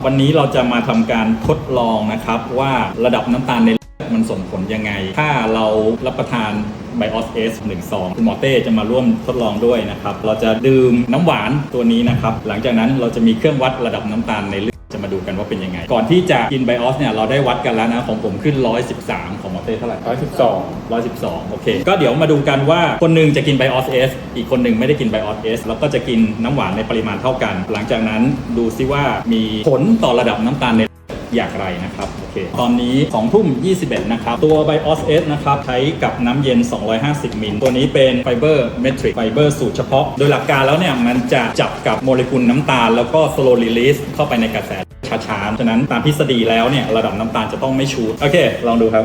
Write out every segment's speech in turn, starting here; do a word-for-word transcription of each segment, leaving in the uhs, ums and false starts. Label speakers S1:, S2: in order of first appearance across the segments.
S1: วันนี้เราจะมาทำการทดลองนะครับว่าระดับน้ำตาลในเลือดมันส่งผลยังไงถ้าเรารับประทานไบออสเอสหนึ่งซองคุณหมอเต้จะมาร่วมทดลองด้วยนะครับเราจะดื่มน้ำหวานตัวนี้นะครับหลังจากนั้นเราจะมีเครื่องวัดระดับน้ำตาลในเลือดจะมาดูกันว่าเป็นยังไงก่อนที่จะกินไบออสเนี่ยเราได้วัดกันแล้วนะของผมขึ้นหนึ่งร้อยสิบสามของหมอเต้เท่าไหร่หนึ่งร้อยสิบสอง หนึ่งร้อยสิบสองโอเคก็เดี๋ยวมาดูกันว่าคนหนึงจะกินไบออสเอสอีกคนหนึงไม่ได้กินไบออสเอสแล้วก็จะกินน้ำหวานในปริมาณเท่ากันหลังจากนั้นดูซิว่ามีผลต่อระดับน้ำตาลในอย่างไรนะครับโอเคตอนนี้สองทุ่มยี่สิบเอ็ดนะครับตัว ไบออสเอส นะครับใช้กับน้ำเย็นสองร้อยห้าสิบมิลตัวนี้เป็นไฟเบอร์เมทริกไฟเบอร์สูตรเฉพาะโดยหลักการแล้วเนี่ยมันจะจับกับโมเลกุลน้ำตาลแล้วก็ slow release เข้าไปในกระแสช้าๆฉะนั้นตามทฤษฎีแล้วเนี่ยระดับน้ำตาลจะต้องไม่ชูดโอเคลองดูครับ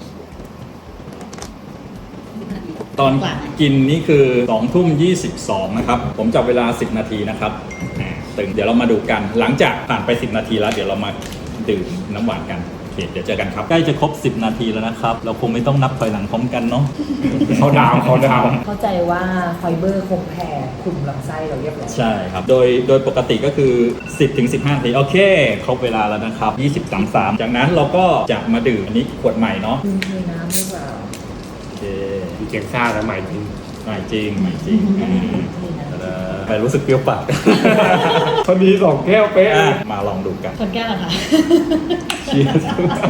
S1: ตอนกินนี่คือสองทุ่มยี่สิบสองนะครับผมจับเวลาสิบนาทีนะครับตึงเดี๋ยวเรามาดูกันหลังจากผ่านไปสิบนาทีแล้วเดี๋ยวเรามาดื่มน้ำหวานกันโอเคเดี๋ยวเจอกันครับใกล้จะครบสิบนาทีแล้วนะครับเราคงไม่ต้องนับถอยหลังพร้อมกันเนาะ
S2: เขาดาวเขาดาว
S3: เข้าใจว่าไฟเบอร์คงแผ่คลุมลำไส้เราเรียบร้อย
S1: ใช่ครับโดยโดยปกติก็คือ สิบถึงสิบห้า นาทีโอเคครบเวลาแล้วนะครับยี่สิบ สามสิบสามจากนั้นเราก็จะมาดื่มอันนี้ขวดใหม่เนาะ
S3: ดื่มเทน้ำหรือเปล่า
S1: โอเค
S2: ดีเจงซ่าแล้วใหม่จริง
S1: ใหม่จริงใหม่จริงไปรู้สึกเปรี้ยวปาก
S2: พอดีสองแก้วเป๊ะ
S1: อ่ะมาลองดูกัน
S4: คนแก้วเหรอคะ
S1: เชียร์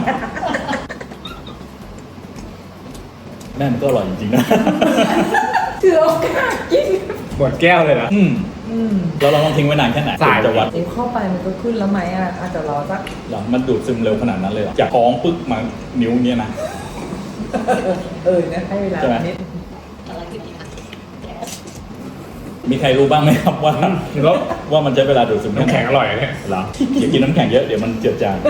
S1: แม่มันก็อร่อยจริงๆนะ
S3: ถือโอกาสกิน
S2: หมดแก้วเลยนะ
S1: อืม
S3: อืม
S1: เราลองทิ้งไว้นานแค่ไหน
S2: สาย
S1: จะวัด
S3: เดี๋ยวเข้าไปมันก็ขึ้นแล้วไหมอ่ะอาจจะรอสัก
S1: หรอมันดูดซึมเร็วขนาดนั้นเลยเหรอจากท้องปึ๊กมานิ้วเนี่ยนะ
S3: เออนะให้เวลา
S1: ใช่ไหม
S3: นิด
S4: อะไรกินดีคะ
S1: มีใครรู้บ้างไหมครับว่า
S2: แล้ว
S1: ว่ามันใช้เวลาดูดซึม
S2: น้ำแข็งอร่อยเนี่ย
S1: เหรออย่ากินน้ำแข็งเยอะเดี๋ยวมันเจือจาง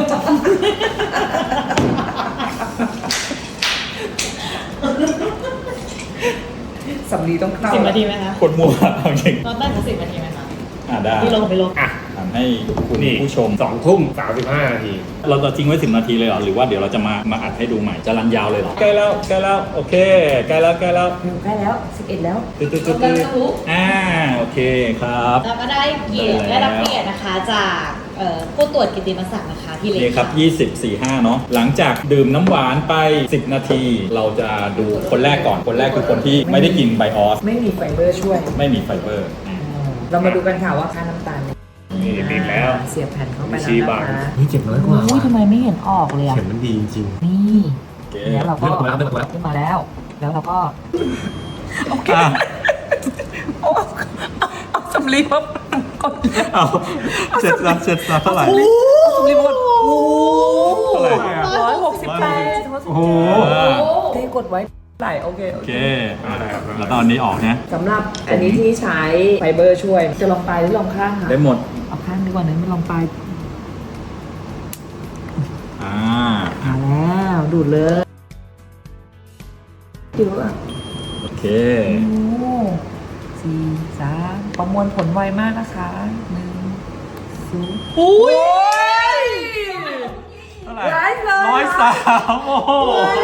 S3: สำลีต้องเข้า
S4: สิบนาทีไหมคะ
S1: คนมัวเอาจริง
S4: รอบแรกก็สิบนาทีไหมคะ
S1: อ่าได้
S4: พี่ลงไปลง
S2: อ่ะ
S1: ทำให้คุณ
S2: นี่
S1: ผู้ชม
S2: สองทุ่มสามสิบห้านาที
S1: เราจะทิ้งไว้สิบนาทีเลยเหรอหรือว่าเดี๋ยวเราจะมามาอัดให้ดูใหม่จะรันยาวเลยเหรอใกล้แล้วใกล้แล้วโอเคใกล้แล้วใกล้แล้ว
S3: เร็วใกล้แล้วสิบเอ็ดแล้ว
S1: ตึ๊ดตึ๊ดตึ๊ดตึ๊ดอ่าโอเคครับ
S4: แล้วก็ได้เกียรติ
S1: ได้แล้ว
S4: ได้รับเกียรตินะคะจากเอ่อผู้ตรวจกิตติมศักดิ์นะคะพี่เล็ก
S1: นี่ครับยี่สิบ สี่ ห้าเนาะหลังจากดื่มน้ำหวานไปสิบนาที เราจะดูคนแรกก่อนคนแรกคือคนที่ไม่ได้กินไบออส
S3: ไม่มีไฟเบอร์ช่วย
S1: ไม่มีไฟเบอร์
S3: เรามาดูกันค่ะว่าค่าน้ำตาล
S2: นี่ติดแล้ว
S3: เสียบแผ่นเข้าไป
S2: ชี้
S3: แล้ว
S2: บา
S3: นะ
S2: ง
S3: คะ
S2: นี่เจ็บน้อยกว่า
S3: อุ้ยทำไมไม่เห็นออกเลยอ่ะ
S2: เข็มมันดีจริง
S3: นี่
S1: โอเค
S3: เนี่ยเราก็
S2: เลือกมาแล้วเลือกมาแล้ว
S3: ขึ้นมาแล้ว แล้วเราก็
S1: อ่ะ
S3: เอาเอาสำลีมาก่อน
S1: เอาเสร็จแล้วเสร็จแล้วเท่าไหร่
S3: สำลีมาก่อนโอ้
S1: เท่าไหร่
S3: ร้อยหกสิบแปด
S2: โอ้โห
S3: ได้กดไว้ไหลโอเคโอ
S1: โอ
S3: เค
S1: เคอ่ะแล้วตอนนี้ออกนะ
S3: สำหรับอันนี้ที่ใช้ไฟเบอร์ช่วย จะลองปลายหรือลองข้างคะ
S1: ได้หมด
S3: เอาข้างดีกว่านั้นไม่ลองปลาย
S1: อ่า
S3: มาแล้วดูดเลยดูอ่ะ
S1: โอเค
S3: โอ้สี่สามประมวลผลไวมากนะคะหนึ่งศูนย์อุ้ย
S1: เท่าไหร่
S3: ร้อยเลย
S1: ร้อยสามโอ้โห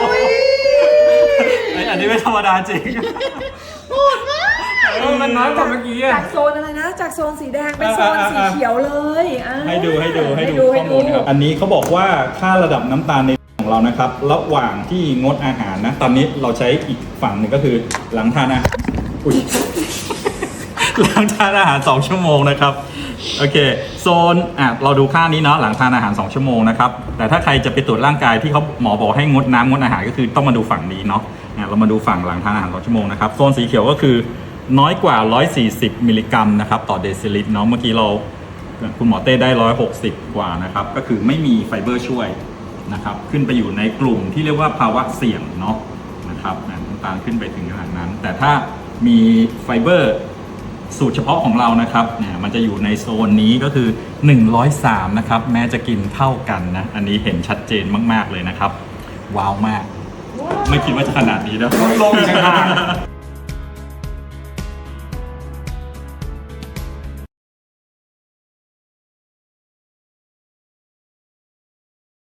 S1: ไอ้อันนี้ไม่ธรรมดาจริง
S2: เออมันน้อยกว่าเมื่อกี้อะ
S3: จากโซนอะไรนะ จากโซนสีแดงเป็นโซนสีเขียวเลยอ่ะ
S1: ให้ดูให้ดูให้ดู
S3: ให้
S1: ข้อมูลครับอันนี้เขาบอกว่าค่าระดับน้ำตาลในของเรานะครับ ระหว่างที่งดอาหารนะ ตอนนี้เราใช้อีกฝั่งหนึ่งก็คือหลังทานอาหารอุ้ย หลังทานอาหารสองชั่วโมงนะครับโอเคโซนอ่ะเราดูค่านี้เนาะหลังทานอาหารสองชั่วโมงนะครับแต่ถ้าใครจะไปตรวจร่างกายที่เขาหมอบอกให้งดน้ำงดอาหารก็คือต้องมาดูฝั่งนี้เนาะอ่ะเรามาดูฝั่งหลังทานอาหารสองชั่วโมงนะครับโซนสีเขียวก็คือน้อยกว่าหนึ่งร้อยสี่สิบมิลลิกรัมนะครับต่อเดซิลิตรเนาะเมื่อกี้เราคุณหมอเต้ได้หนึ่งร้อยหกสิบกว่านะครับก็คือไม่มีไฟเบอร์ช่วยนะครับขึ้นไปอยู่ในกลุ่มที่เรียกว่าภาวะเสี่ยงเนาะนะครับน้ำตาลขึ้นไปถึงขนาดนั้น แต่ถ้ามีไฟเบอร์สูตรเฉพาะของเรานะครับเนี่ยมันจะอยู่ในโซนนี้ก็คือหนึ่งร้อยสามนะครับแม้จะกินเท่ากันนะอันนี้เห็นชัดเจนมากๆเลยนะครับว้าวมากไม่คิดว่าจะขนาดนี้นะ
S2: ลดลงอีกต่างหาก